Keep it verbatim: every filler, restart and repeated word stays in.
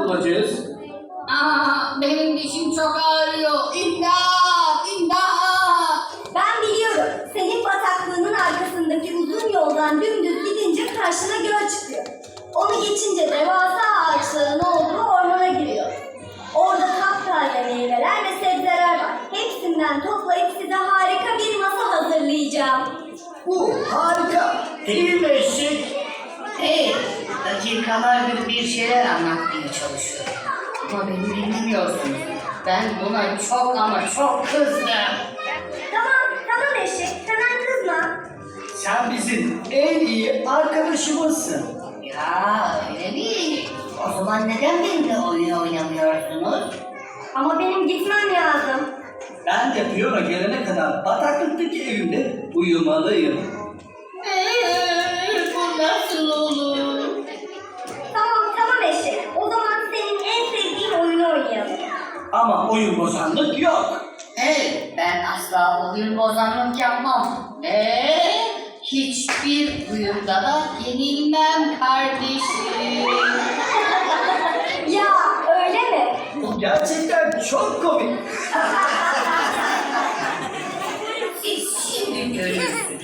bulacağız? Aa, benim dişim çok ağrıyor. İmdat! İmdat! Ben biliyorum. Senin bataklığının arkasındaki uzun yoldan dümdüz gidince karşına göl çıkıyor. Onu geçince devasa ağaçların olduğu ormana giriyor. Orada kaptaze meyveler ve sebzeler var. Hepsinden toplayıp size harika bir masa hazırlayacağım. Bu harika. Değil mi eşek? Hey, dakikalardır bir şeyler anlatmaya çalışıyorum. Ama beni dinlemiyorsunuz. Ben buna çok ama çok kızdım. Tamam, tamam eşek. Hemen kızma. Sen bizim en iyi arkadaşımızsın. Ya öyle mi? O zaman neden benimle oyun oynamıyorsunuz? Ama benim gitmem lazım. Ben de piyano gelene kadar bataklıktaki evimde uyumalıyım. Eee, bu nasıl olur? Tamam, tamam eşek. O zaman senin en sevdiğin oyunu oynayalım. Ama oyun bozanlık yok. Hey, ben asla oyun bozanlık yapmam. Ve hiçbir oyunda da yenilmem kardeşim. Ya öyle mi? Bu gerçekten çok komik. Siz şimdi görürsünüz.